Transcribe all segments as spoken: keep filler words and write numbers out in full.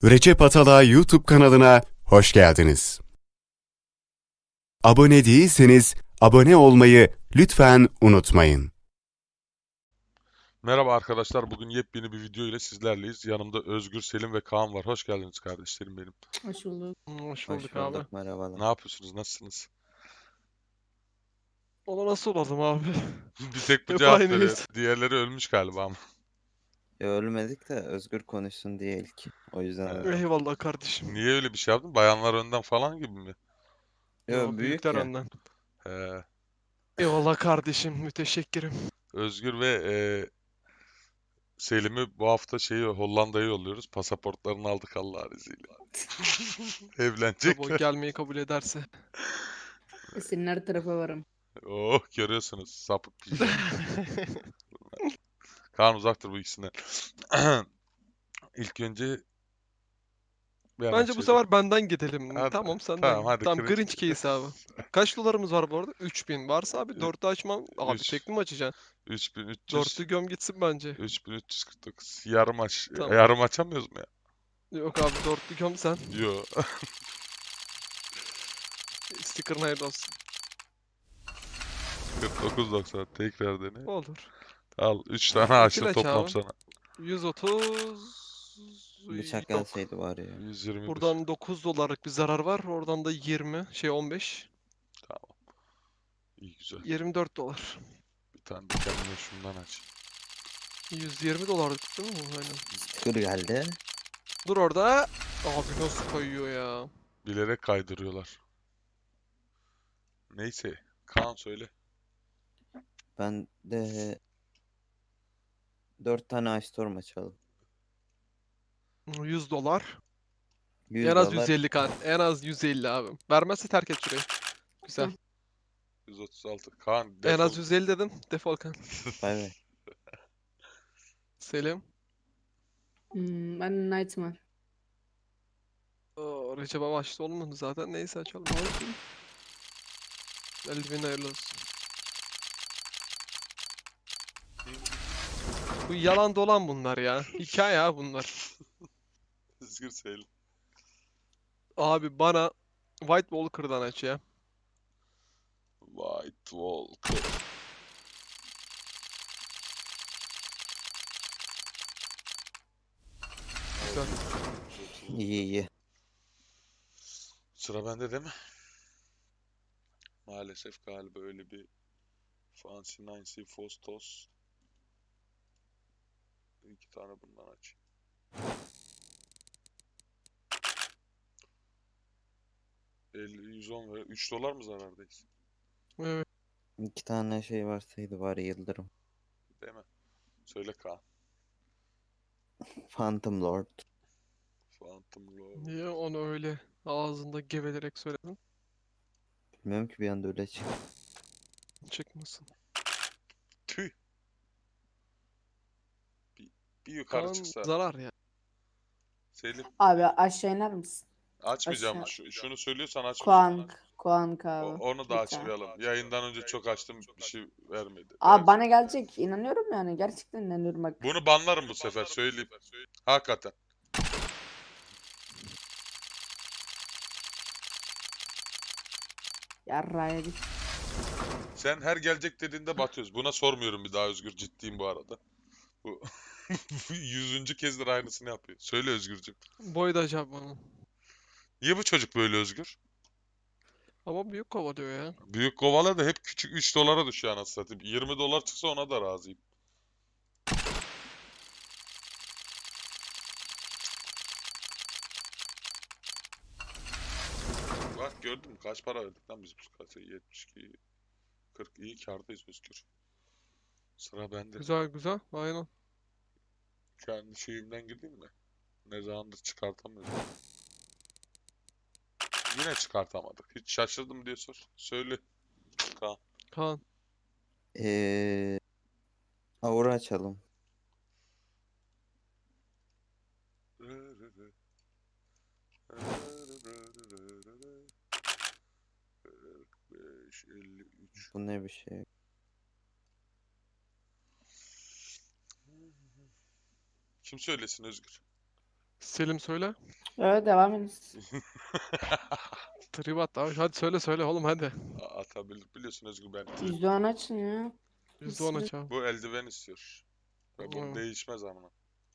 Recep Atalay YouTube kanalına hoş geldiniz. Abone değilseniz abone olmayı lütfen unutmayın. Merhaba arkadaşlar. Bugün yepyeni bir video ile sizlerleyiz. Yanımda Özgür, Selim ve Kaan var. Hoş geldiniz kardeşlerim benim. Hoş bulduk. Hoş Hoş bulduk abi. bulduk, merhabalar. Ne yapıyorsunuz? Nasılsınız? Ona nasıl olalım abi? Bir tek bu Hep cevap veriyor. aynıyız. Diğerleri ölmüş galiba ama. Ya ölmedik de Özgür konuşsun diye ilk. O yüzden Ee, öyle. Eyvallah kardeşim. Niye öyle bir şey yaptın? Bayanlar önden falan gibi mi? Yo, Yo, büyük büyükler ya. önden. Ee, Eyvallah kardeşim. Müteşekkirim. Özgür ve e, Selim'i bu hafta şeyi Hollanda'ya yolluyoruz. Pasaportlarını aldık Allah'ın izniyle. Tabii o Evlenecekler. gelmeyi kabul ederse. Senin her tarafa varım. Oh, görüyorsunuz sapık pijama. Kaan uzaktır bu ikisinden. İlk önce bir hemen Bence bu söyle. sefer benden gidelim. Hadi, Tamam senden tamam, git. hadi Tamam cringe. cringe case abi. Kaç dolarımız var bu arada? üç bin. Varsa abi Ü- dörtü açmam. Abi üç. tekli mi açacaksın? üç bin üç yüz. Dörtü göm gitsin bence. üç bin üç yüz kırk dokuz. Yarım aç. Tamam. Yarım açamıyoruz mu ya? Yok abi dörtlü göm sen. Yo. Sticker'ın hayırlı olsun. kırk dokuz doksan. Tekrar dene. Olur. Al. üç tane İkili açtım aç toplam abi. sana. yüz otuz. Bıçak Yok. gelseydi var ya. yüz yirmi bir. Buradan dokuz dolarlık bir zarar var. Oradan da yirmi, şey on beş. Tamam. İyi güzel. yirmi dört dolar. Bir tane de kendime şundan aç. yüz yirmi dolarlık değil mi? Aynen. Sticker geldi. Dur orada. Abi nasıl kayıyor ya? Bilerek kaydırıyorlar. Neyse. Kaan söyle. Ben de dört tane Ice Storm açalım. yüz dolar. yüz En az dolar. yüz elli kan. En az yüz elli abi. Vermezse terk et şurayı. Güzel. Tamam. yüz otuz altı. Kaan En defol. az yüz elli dedim. Defol kan. Bay bay. Selim. Hmm, ben Nightmare. Oo, Recep'e başta olmadı zaten. Neyse açalım. Olsun. Eldiven hayırlı olsun. Bu yalan dolan bunlar ya. Hikaye ha bunlar. Özgür söyle. Abi bana White Walker'dan aç ya. White Walker. Güzel. İyi iyi. Sıra bende değil mi? Maalesef galiba öyle bir Fancy Nancy Fostos. İki tane bundan aç. elli, yüz on ve üç dolar mı zarardayız? Evet. İki tane şey varsaydı var ya, Yıldırım. Değil mi? Söyle Kaan. Phantom Lord. Phantom Lord. Niye onu öyle ağzında gevelerek söyledin? Bilmiyorum ki, bir anda öyle çıktı. Çıkmasın. Tüh. Bir, bir yukarı Kaan çıksa. zarar ya. Selim. Abi aşağı iner misin? Açmayacağım. Aşağı. Şu, şunu söylüyorsan açmayacağım. Kuank. Kuank O- abi. onu da Bir tane. açmayalım. Yayından önce çok açtım. Bir şey vermedi. Abi Ver. bana gelecek. İnanıyorum yani. Gerçekten inanıyorum bak. Bunu banlarım bu sefer söyleyeyim. Hakikaten. Yarraya git. Sen her gelecek dediğinde batıyoruz. Buna sormuyorum bir daha Özgür. Ciddiyim bu arada. Bu yüzüncü kezdir aynısını yapıyor. Söyle Özgürcüm. Boy da acaba bana. Niye bu çocuk böyle Özgür? Ama büyük kovalıyor ya. Büyük kovalar da hep küçük üç dolara düşüyor anasını satayım. yirmi dolar çıksa ona da razıyım. Bak gördün mü kaç para verdik lan biz bu kasaya? yetmiş iki, kırk, iyi kârdayız Özgür. Sıra bende. Güzel güzel. Aynen. Kendi şeyimden gireyim mi? Ne zamandır çıkartamıyorum. Yine çıkartamadık. Hiç şaşırdım diye sor. Söyle. Kaan. Kaan. Eee... Aura açalım. kırk beş, elli üç. Bu ne bir şey. Kim söylesin Özgür? Selim söyle. Evet devam ediniz. Tribat abi. Hadi söyle söyle oğlum hadi. Atabilir biliyorsun Özgür ben. yüzde on açın ya. yüzde on Biz- aç abi. Bu eldiven istiyor. Ve bu Hmm. değişmez ama.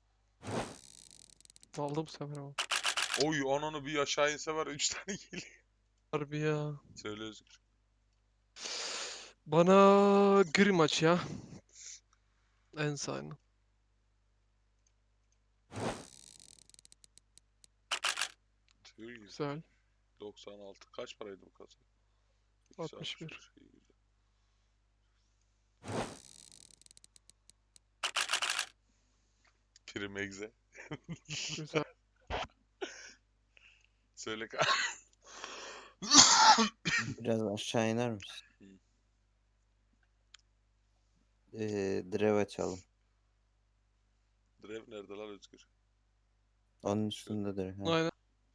Aldım bu sefer ama. Oy ananı bir aşağı inse var üç tane geliyor. Harbi ya. Söyle Özgür. Bana gri maç ya. En sağını. Tüy, Güzel. doksan altı kaç paraydı bu kasa? İkisi altmış bir. altmış beş, iyi, güzel. Prim egze. Güzel. Söyle ka- Biraz aşağı iner misin? Hı. Ee, Drev açalım. Drev nerede lan Özgür? Onun üstündedir. Ha. Aynen.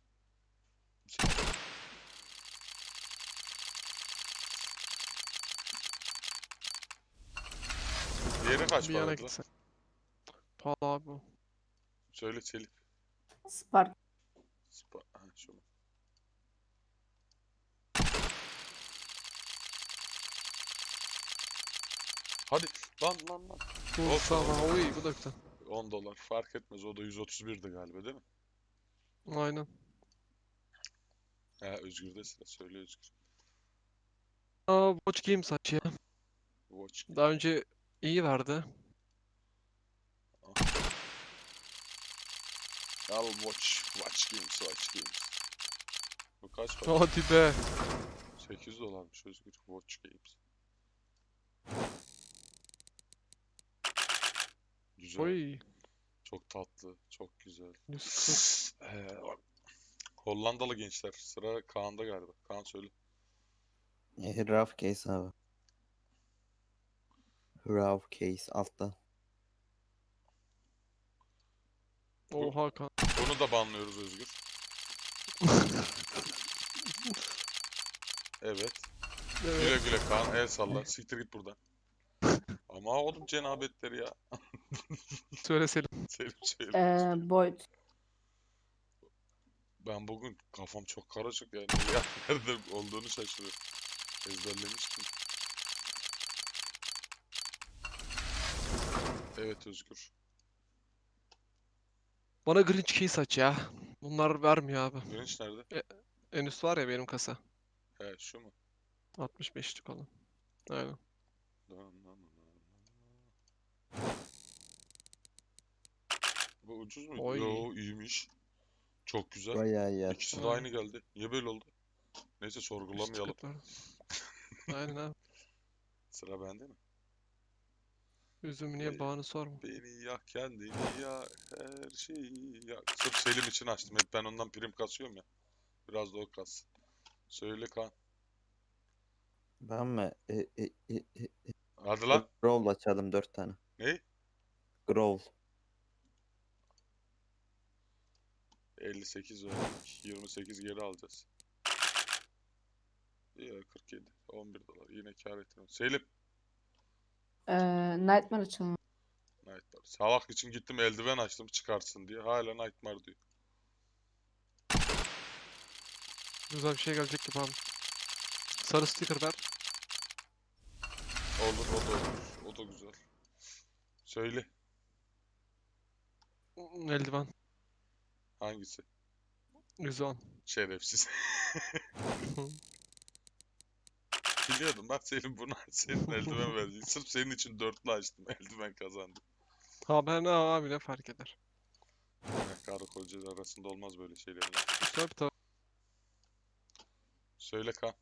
Diğeri kaç Bir yana paraydı lan? gitsen. Pahalı abi bu. Söyle Selim. Spark. Spa ha, şu mu? Hadi lan lan lan. Bu Olsun, sağ olsun. Oy bu da güzel. on dolar fark etmez. O da yüz otuz birdi galiba değil mi? Aynen. Ha Özgür'de sıra. Söyle Özgür. Aa, Watch Games aç ya. Watch. Daha önce iyi verdi. Al watch. Watch games. Watch games. Bu kaç para? Hadi be. sekiz dolarmış Özgür. Watch games. Güzel. Oy. Çok tatlı. Çok güzel. yüz kırk. Ee, bak. Hollandalı gençler. Sıra Kaan'da galiba. Kaan söyle. Ee, Rough Case abi. Rough Case altta. Oha kan. Bunu da banlıyoruz Özgür. Evet. Güle Evet. güle Kaan. El salla. Siktir git buradan. Ama oğlum cenabetleri ya. Söyle Selim. Selim söyle. Ee, Boyd. Ben bugün kafam çok karışık yani. Ya nerede olduğunu şaşırıyorum. Ezberlemiştim. Evet Özgür. Bana Grinch Case aç ya. Bunlar vermiyor abi. Grinch nerede? En üst var ya benim kasa. He şu mu? altmış beşlik olan. Aynen. Bu ucuz muydu? Oy. Yo iyiymiş. Çok güzel. Bayağı iyi İkisi de attı. Ay. aynı geldi. Niye böyle oldu? Neyse sorgulamayalım. Üst var. Aynen abi. Sıra bende mi? Üzüm niye Oy. bağını sorma. Beni yak kendini yak her şeyi yak. Sırf Selim için açtım. Hep ben ondan prim kasıyorum ya. Biraz da o kas. Söyle Kaan. Ben mi? E, e, e, e, Hadi lan. Growl açalım dört tane. Ne? Growl. elli sekiz verdik. yirmi sekiz geri alacağız. Ya kırk yedi. on bir dolar. Yine kar ettim. Selim. Ee, Nightmare açalım. Nightmare. Salak için gittim eldiven açtım çıkarsın diye. Hala Nightmare diyor. Güzel bir şey gelecek gibi abi. Sarı sticker ver. Olur o da olur. O da güzel. Söyle. Eldiven. Hangisi? yüz on. Şerefsiz. Biliyordum bak Selim bunu senin eldiven verecek. Sırf senin için dörtlü açtım. Eldiven kazandım. Ha ben ne abi ne fark eder. Ya, karı koca arasında olmaz böyle şeyler. Tabii tabii. Söyle Kaan.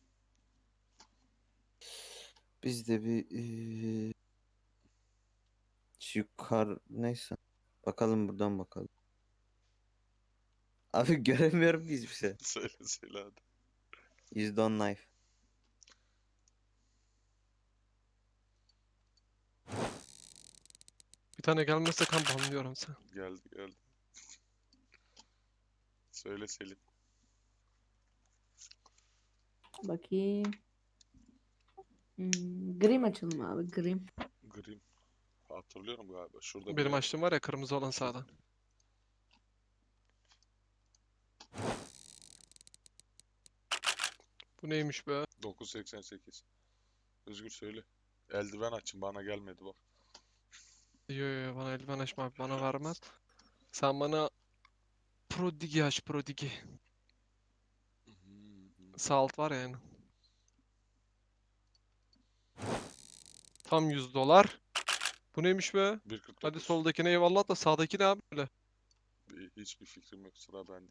Biz de bir eee, şu yukarı neyse. Bakalım buradan bakalım. Abi göremiyorum ki hiçbir şey. Söyle söyle hadi. yüzde on knife. Bir tane gelmezse kan banlıyorum sen. Geldi geldi. Söyle Selim. Bakayım. Hmm, Grim açalım abi. Grim. Grim. Hatırlıyorum galiba. Şurada Benim bir açtığım var ya kırmızı olan sağda. Bu neymiş be? dokuz seksen sekiz. Özgür söyle. Eldiven açın bana gelmedi bak. Yo yo yo, bana eldiven açma abi, bana vermez. Sen bana Prodigi aç, Prodigi. Sağ alt var ya yani. Tam yüz dolar. Bu neymiş be? bir kırk Hadi dokuz. soldakine eyvallah da sağdaki ne abi böyle? Bir- Hiçbir fikrim yok. Sıra bende.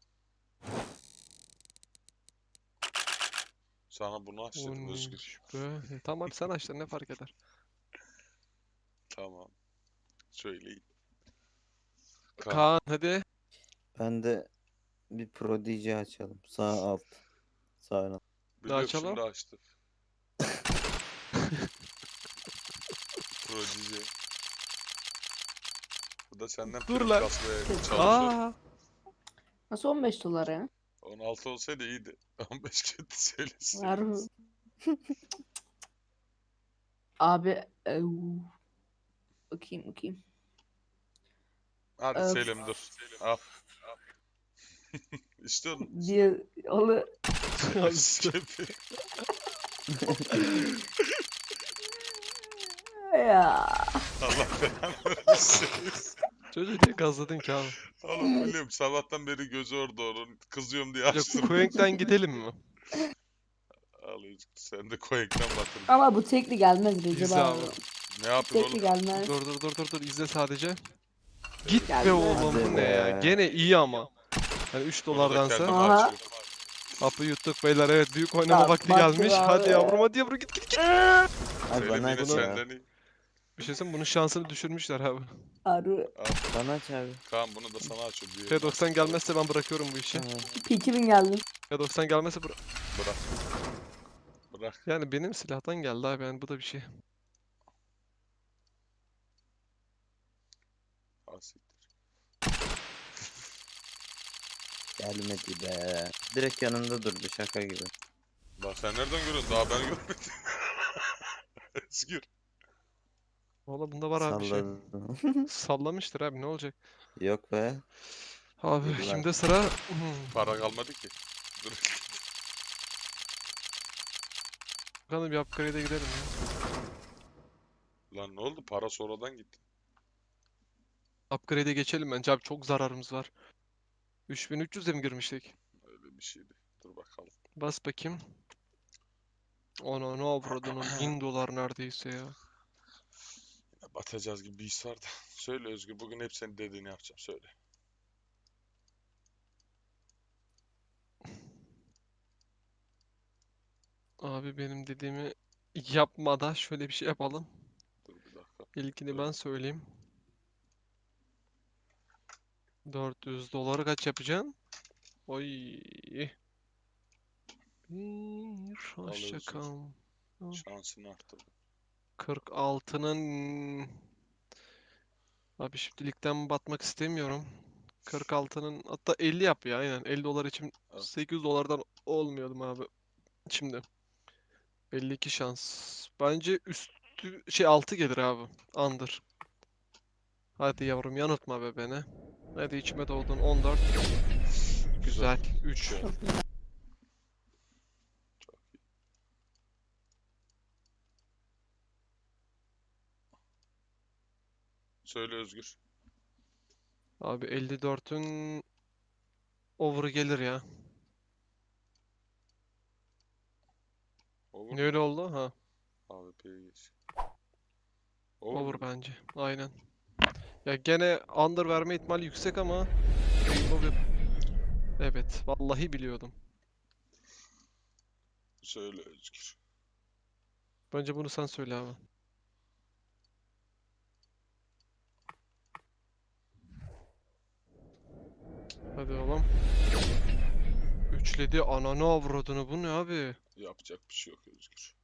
Sana bunu aç Bu dedim Özgür. neymiş be? E, tamam abi sen aç da ne fark eder? Tamam. Söyleyin. Kaan. Kaan hadi. Ben de bir Prodigy açalım. Sağ alt. Sağ alt. Biliyorum açalım? şimdi açtı. Prodigy. Bu da senden Dur prim lan. kasmaya Kötü. çalışıyor. Aa, Nasıl on beş dolar ya? on altı olsaydı iyiydi. on beş kötü söylesin. Harbi. Abi ev. Bakayım bakayım. Hadi Öf. Selim dur. Al. İstiyor musun? Diye onu Şefi. ya. Allah belanı versin. çocuğu niye gazladın ki abi? Oğlum biliyorum sabahtan beri gözü orada onun. Kızıyorum diye Yok, açtım. Quake'den gidelim mi? Al Özgür, sen de Quake'den batırdın. Ama bu tekli gelmez Recep İzle abi. abi. Ne yapayım Tekli oğlum? gelmez. Dur dur dur dur dur izle sadece. Git be Gelmez. oğlum, bu Hadi ne ya? be. Gene iyi ama. Yani üç Bunu da dolardansa. kendim Aha. açıyorum. Hapı yuttuk beyler, evet, büyük oynama Bak, vakti baktı gelmiş. abi. Hadi yavrum, hadi yavrum, git git git. Ay Selim bana yine aç ya. senden iyi. Bir şey söyleyeyim mi? Bunun şansını düşürmüşler abi. Harbi. Bana aç abi. Kaan bunu da sana açıyorum. diye. P doksan gelmezse ben bırakıyorum bu işi. Tamam. P iki bin geldi. P doksan gelmezse bıra- Bırak. Bırak. Yani benim silahtan geldi abi, yani bu da bir şey. Al siktir. Gelmedi be. Direkt yanımda durdu şaka gibi. Lan sen nereden görüyorsun? Daha ben görmedim. Özgür. Valla bunda var abi bir şey. Salladım. Sallamıştır abi, ne olacak? Yok be. Abi Yıllar. şimdi sıra... Hmm. Para kalmadı ki. Dur. Bakalım bir upgrade'e gidelim ya. Lan ne oldu? Para sonradan gitti. Upgrade'e geçelim bence abi, çok zararımız var. üç bin üç yüze mi girmiştik? Öyle bir şeydi. Dur bakalım. Bas bakayım. Ona ne avradının bin dolar neredeyse ya. Yine batacağız gibi bir his var da. Söyle Özgür. Bugün hep senin dediğini yapacağım. Söyle. Abi benim dediğimi yapmadan şöyle bir şey yapalım. Dur bir dakika. İlkini ben söyleyeyim. dört yüz doları kaç yapacaksın? Oy. Bir hoşça Özgür. kal. Şansını arttır. kırk altının abi şimdilikten batmak istemiyorum. kırk altının hatta elli yap ya, aynen elli dolar için Evet. sekiz dolardan olmuyordum abi. Şimdi elli iki şans. Bence üstü şey altı gelir abi. Under. Hadi yavrum, yanıltma be beni. Hadi içime doğdun on dört. Güzel. üç. Güzel. Çok güzel. Söyle Özgür. Abi elli dörtün over gelir ya. Over. Ne öyle oldu? Ha. A W P'ye geç. Over. Over mu? bence. Aynen. Ya gene under verme ihtimali yüksek ama Rainbow yap- Evet, vallahi biliyordum. Söyle Özgür. Bence bunu sen söyle abi. Hadi oğlum. Üçledi, ananı avradını, bu ne abi? Yapacak bir şey yok Özgür.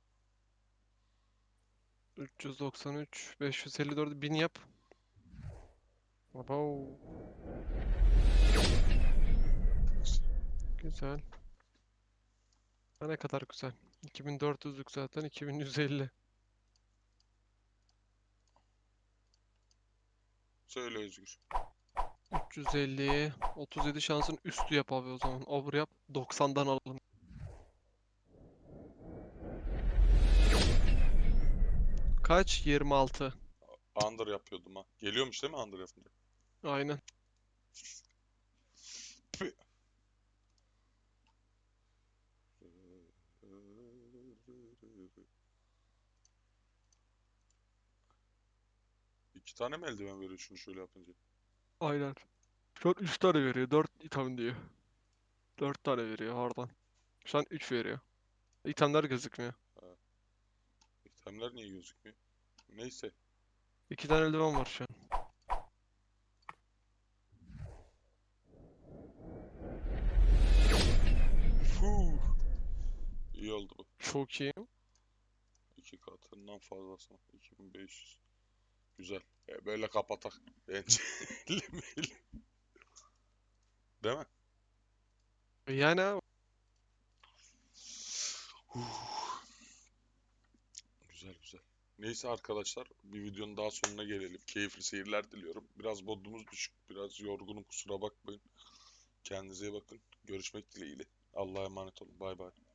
üç yüz doksan üç, beş yüz elli dört, bin yap. Abo. Güzel. Ha, ne kadar güzel. iki bin dört yüzlük zaten, iki bin yüz elli. Söyle Özgür. üç yüz elliye otuz yedi şansın üstü yap abi o zaman. Over yap. doksandan alalım. Kaç? yirmi altı. Under yapıyordum ha. Geliyormuş değil mi under yapınca? Aynen. Pü. İki tane mi eldiven veriyor şunu şöyle yapınca? Aynen. Şu an üç tane veriyor. dört item diyor. dört tane veriyor oradan. Şu an üç veriyor. İtemler gözükmüyor. İtemler niye gözükmüyor? Neyse. iki tane eldiven var şu an. Fuh. İyi oldu bu. Çok iyi. İki katından fazlasına. iki bin beş yüz. Güzel. E, böyle kapatak. Bence. Değil mi? Yani abi. Huh. Güzel güzel. Neyse arkadaşlar, bir videonun daha sonuna gelelim. Keyifli seyirler diliyorum. Biraz modumuz düşük, biraz yorgunum, kusura bakmayın. Kendinize iyi bakın. Görüşmek dileğiyle. Allah'a emanet olun. Bay bay.